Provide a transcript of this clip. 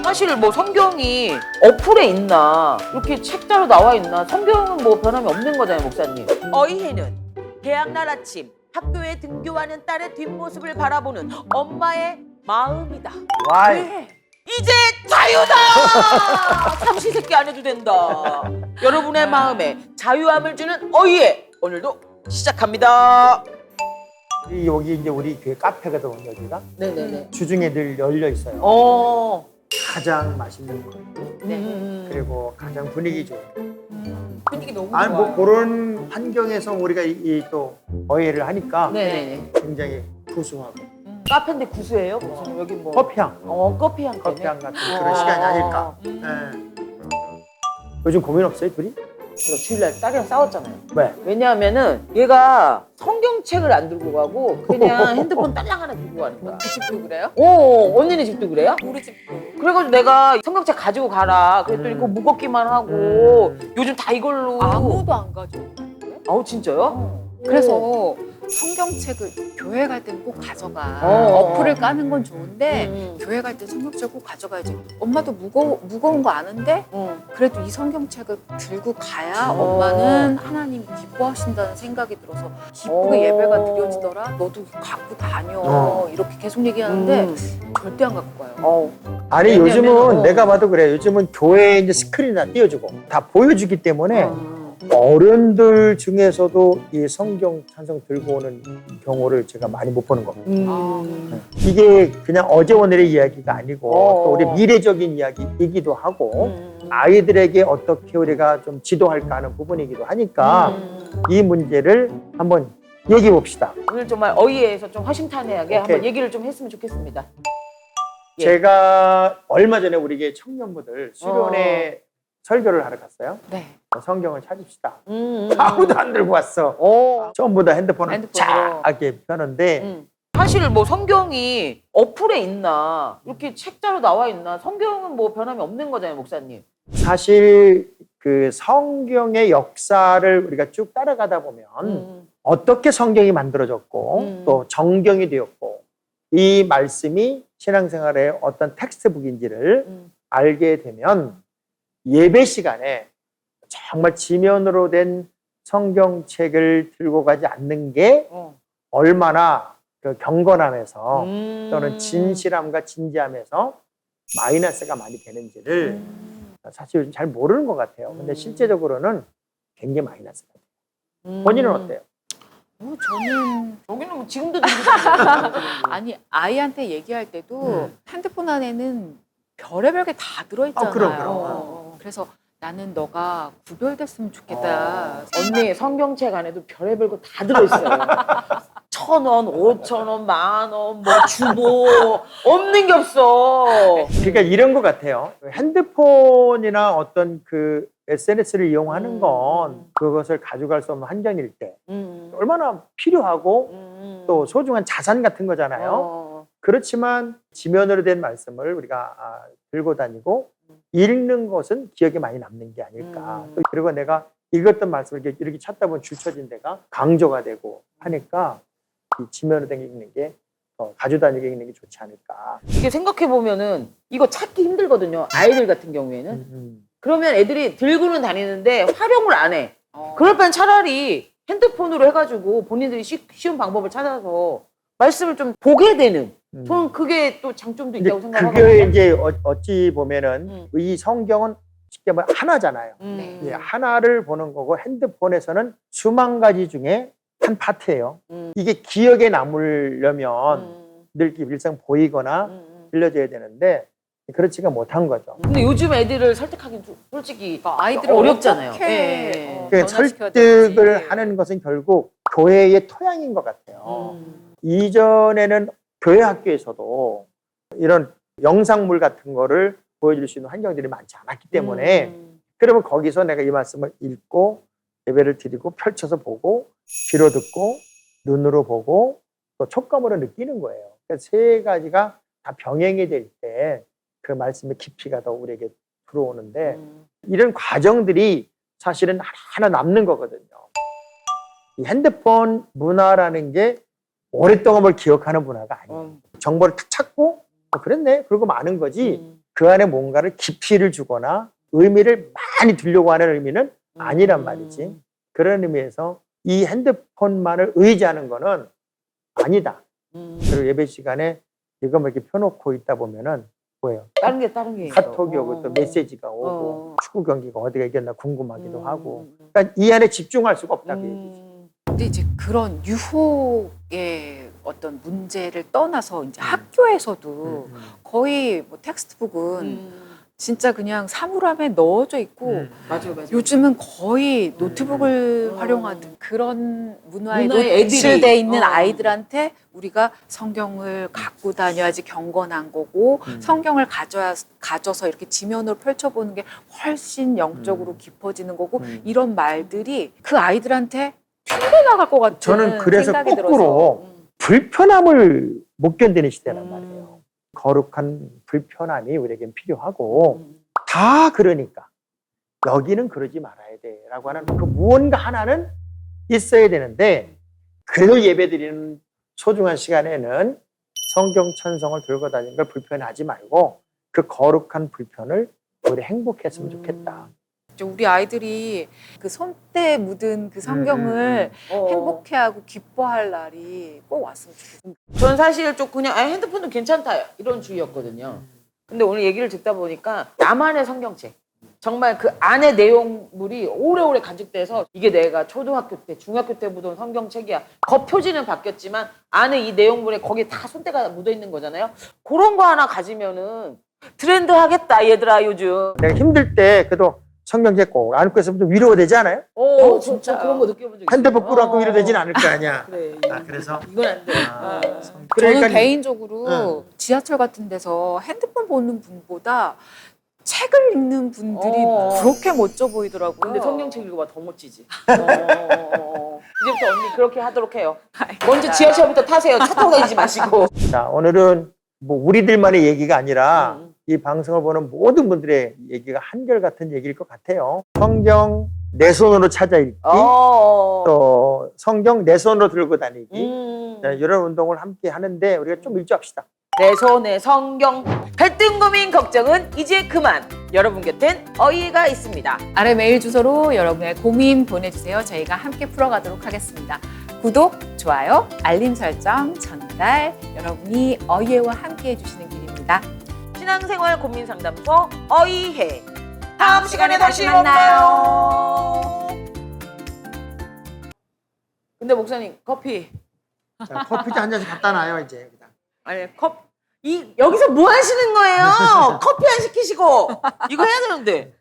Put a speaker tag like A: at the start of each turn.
A: 사실 뭐 성경이 어플에 있나 이렇게 책자로 나와 있나 성경은 뭐 변함이 없는 거잖아요, 목사님. 어이해는 개학날 아침 학교에 등교하는 딸의 뒷모습을 바라보는 엄마의 마음이다.
B: 와이.
A: 네. 이제 자유다! 삼시세끼 안 해도 된다. 여러분의 마음에 자유함을 주는 어이해 오늘도 시작합니다.
B: 여기 이제 우리 교회 카페거든, 여기가.
A: 네네네.
B: 주중에 늘 열려 있어요. 가장 맛있는 거,
A: 네.
B: 그리고 가장 분위기 좋은.
A: 분위기 너무
B: 아니
A: 좋아요.
B: 뭐 그런 환경에서 우리가 또 어예를 하니까
A: 네네.
B: 굉장히 구수하고
A: 카페인데 구수해요? 무슨 여기 뭐
B: 커피향,
A: 커피향 때문에?
B: 커피향 같은 그런 시간이 아닐까. 예. 요즘 고민 없어요, 둘이?
A: 제가 주일날 딸이랑 싸웠잖아요.
B: 왜?
A: 왜냐하면은 얘가 성경책을 안 들고 가고 그냥 핸드폰 딸랑 하나 들고 가는 거야.
C: 그 집도 그래요?
A: 언니네 집도 그래요?
C: 우리 집도.
A: 그래가지고 내가 성경책 가지고 가라 그랬더니 그거 무겁기만 하고 요즘 다 이걸로
C: 아무도 안 가져오는데?
A: 아우 진짜요?
C: 그래서 성경책을 교회 갈 때는 꼭 가져가.
A: 어.
C: 어플을 까는 건 좋은데 교회 갈 때 성경책을 꼭 가져가야지. 엄마도 무거운 거 아는데 그래도 이 성경책을 들고 가야 엄마는 하나님 기뻐하신다는 생각이 들어서 기쁘게 예배가 드려지더라. 너도 갖고 다녀. 이렇게 계속 얘기하는데 절대 안 갖고 가요.
B: 아니
A: 왜냐면,
B: 요즘은 내가 봐도 그래. 요즘은 교회에 이제 스크린 다 띄워주고 다 보여주기 때문에 어른들 중에서도 이 성경 찬송 들고 오는 경우를 제가 많이 못 보는 겁니다. 이게 그냥 어제 오늘의 이야기가 아니고 또 우리 미래적인 이야기이기도 하고 아이들에게 어떻게 우리가 좀 지도할까 하는 부분이기도 하니까 이 문제를 한번 얘기해 봅시다.
A: 오늘 정말 어이에서 좀 허심탄회하게
B: 오케이.
A: 한번 얘기를 좀 했으면 좋겠습니다. 예.
B: 제가 얼마 전에 우리 교회 청년부들 수련회 설교를 하러 갔어요.
C: 네.
B: 성경을 찾읍시다. 아무도 안 들고 왔어. 전부 다 핸드폰을
A: 핸드폰으로.
B: 쫙게 펴는데
A: 사실 뭐 성경이 어플에 있나 이렇게 책자로 나와 있나 성경은 뭐 변함이 없는 거잖아요, 목사님.
B: 사실 그 성경의 역사를 우리가 쭉 따라가다 보면 어떻게 성경이 만들어졌고 또 정경이 되었고 이 말씀이 신앙생활의 어떤 텍스트북인지를 알게 되면 예배 시간에 정말 지면으로 된 성경책을 들고 가지 않는 게 얼마나 그 경건함에서 또는 진실함과 진지함에서 마이너스가 많이 되는지를 사실 요즘 잘 모르는 것 같아요. 근데 실제적으로는 굉장히 마이너스가 돼요. 본인은 어때요?
C: 저는
A: 여기는 뭐 지금도 들리잖아요.
C: 아니 아이한테 얘기할 때도 핸드폰 안에는 별의별 게 다 들어있잖아요.
B: 그럼.
C: 그래서 나는 너가 구별됐으면 좋겠다.
A: 언니 성경책 안에도 별의별 거 다 들어있어요. 1,000원, 5,000원, 10,000원, 뭐 주보 없는 게 없어.
B: 그러니까 이런 것 같아요. 핸드폰이나 어떤 그 SNS를 이용하는 건 그것을 가져갈 수 없는 환경일 때 얼마나 필요하고 또 소중한 자산 같은 거잖아요. 그렇지만 지면으로 된 말씀을 우리가 들고 다니고 읽는 것은 기억에 많이 남는 게 아닐까. 또 그리고 내가 읽었던 말씀을 이렇게 찾다 보면 줄쳐진 데가 강조가 되고 하니까 이 지면으로 된 읽는 게 가지고 다니게 읽는 게 좋지 않을까.
A: 이게 생각해보면은 이거 찾기 힘들거든요. 아이들 같은 경우에는. 그러면 애들이 들고는 다니는데 활용을 안 해. 그럴 바엔 차라리 핸드폰으로 해가지고 본인들이 쉬운 방법을 찾아서 말씀을 좀 보게 되는. 저는 그게 또 장점도 있다고
B: 그게
A: 생각하거든요.
B: 이제 어찌 보면은 이 성경은 쉽게 말하면 하나잖아요. 예, 하나를 보는 거고 핸드폰에서는 수만 가지 중에 한 파트예요. 이게 기억에 남으려면 늘 일상 보이거나 들려줘야 되는데 그렇지가 못한 거죠.
A: 근데 요즘 애들을 설득하기 솔직히
C: 아이들을
A: 어렵잖아요.
C: 어떻게
A: 예.
B: 그
C: 변화시켜야
B: 설득을
C: 될지.
B: 하는 것은 결국 교회의 토양인 것 같아요. 이전에는 교회 학교에서도 이런 영상물 같은 거를 보여줄 수 있는 환경들이 많지 않았기 때문에 그러면 거기서 내가 이 말씀을 읽고 예배를 드리고 펼쳐서 보고 귀로 듣고 눈으로 보고 또 촉감으로 느끼는 거예요. 그러니까 세 가지가 다 병행이 될 때 그 말씀의 깊이가 더 우리에게 들어오는데 이런 과정들이 사실은 하나 남는 거거든요. 이 핸드폰 문화라는 게 오랫동안 뭘 기억하는 문화가 아니에요. 정보를 탁 찾고 그랬네 그러고 마는 거지 그 안에 뭔가를 깊이를 주거나 의미를 많이 두려고 하는 의미는 아니란 말이지. 그런 의미에서 이 핸드폰만을 의지하는 거는 아니다. 그리고 예배 시간에 이거만 이렇게 펴놓고 있다 보면은 뭐예요?
A: 다른 게
B: 카톡이
A: 있어.
B: 오고 또 메시지가 오고 축구 경기가 어디가 이겼나 궁금하기도 하고.
A: 음.
B: 그러니까 이 안에 집중할 수가 없다고 얘기지.
C: 근데 이제 그런 유혹의 어떤 문제를 떠나서 이제 학교에서도 거의 뭐 텍스트북은 진짜 그냥 사물함에 넣어져 있고
A: 맞아요.
C: 요즘은 거의 노트북을 활용하는 그런 문화에
A: 문화에
C: 노출돼
A: 애들이,
C: 있는 아이들한테 우리가 성경을 갖고 다녀야지 경건한 거고 성경을 가져서 이렇게 지면으로 펼쳐보는 게 훨씬 영적으로 깊어지는 거고 이런 말들이 그 아이들한테 튕겨나갈 것 같은
B: 저는 그래서
C: 생각이
B: 거꾸로
C: 들어서
B: 불편함을 못 견디는 시대란 말이에요. 거룩한 불편함이 우리에겐 필요하고 다 그러니까 여기는 그러지 말아야 돼라고 하는 그 무언가 하나는 있어야 되는데 그래도 예배드리는 소중한 시간에는 성경 천성을 들고 다니는 걸 불편하지 말고 그 거룩한 불편을 우리 행복했으면 좋겠다.
C: 우리 아이들이 그 손때에 묻은 그 성경을 행복해하고 기뻐할 날이 꼭 왔으면 좋겠어요.
A: 전 사실 좀 그냥 핸드폰도 괜찮다 이런 주의였거든요. 근데 오늘 얘기를 듣다 보니까 나만의 성경책, 정말 그 안에 내용물이 오래오래 간직돼서 이게 내가 초등학교 때, 중학교 때 보던 성경책이야. 겉표지는 바뀌었지만 안에 이 내용물에 거기에 다 손때가 묻어있는 거잖아요. 그런 거 하나 가지면은 트렌드 하겠다 얘들아 요즘.
B: 내가 힘들 때 그래도 성경책 꼭 안고 있으면 좀 위로가 되지 않아요?
A: 진짜 그런 거 느껴본 적 있어요.
B: 핸드폰 끌어안고 위로되진 않을 거 아니야.
A: 그래.
B: 그래서
A: 이건 안 돼.
B: 그러니까
C: 저는 개인적으로 지하철 같은 데서 핸드폰 보는 분보다 책을 읽는 분들이 그렇게 멋져 보이더라고요.
A: 근데 성경책 읽어봐 더 멋지지. 이제부터 언니 그렇게 하도록 해요. 먼저 지하철부터 타세요. 차 타고 다니지 마시고.
B: 자, 오늘은 뭐 우리들만의 얘기가 아니라 이 방송을 보는 모든 분들의 얘기가 한결같은 얘기일 것 같아요. 성경 내 손으로 찾아 읽기, 또 성경 내 손으로 들고 다니기, 자, 이런 운동을 함께 하는데 우리가 좀 일조합시다.
A: 내 손에 성경. 갈등 고민 걱정은 이제 그만. 여러분 곁엔 어이가 있습니다.
C: 아래 메일 주소로 여러분의 고민 보내주세요. 저희가 함께 풀어가도록 하겠습니다. 구독, 좋아요, 알림 설정, 전달 여러분이 어이해와 함께 해주시는 길입니다.
A: 신앙생활 고민 상담소 어이해. 다음 시간에 다시
C: 만나요.
A: 근데 목사님 커피.
B: 자, 커피 한 잔씩 갖다 놔요 이제.
A: 아니 여기서 뭐 하시는 거예요? 커피 안 시키시고 이거 해야 되는데.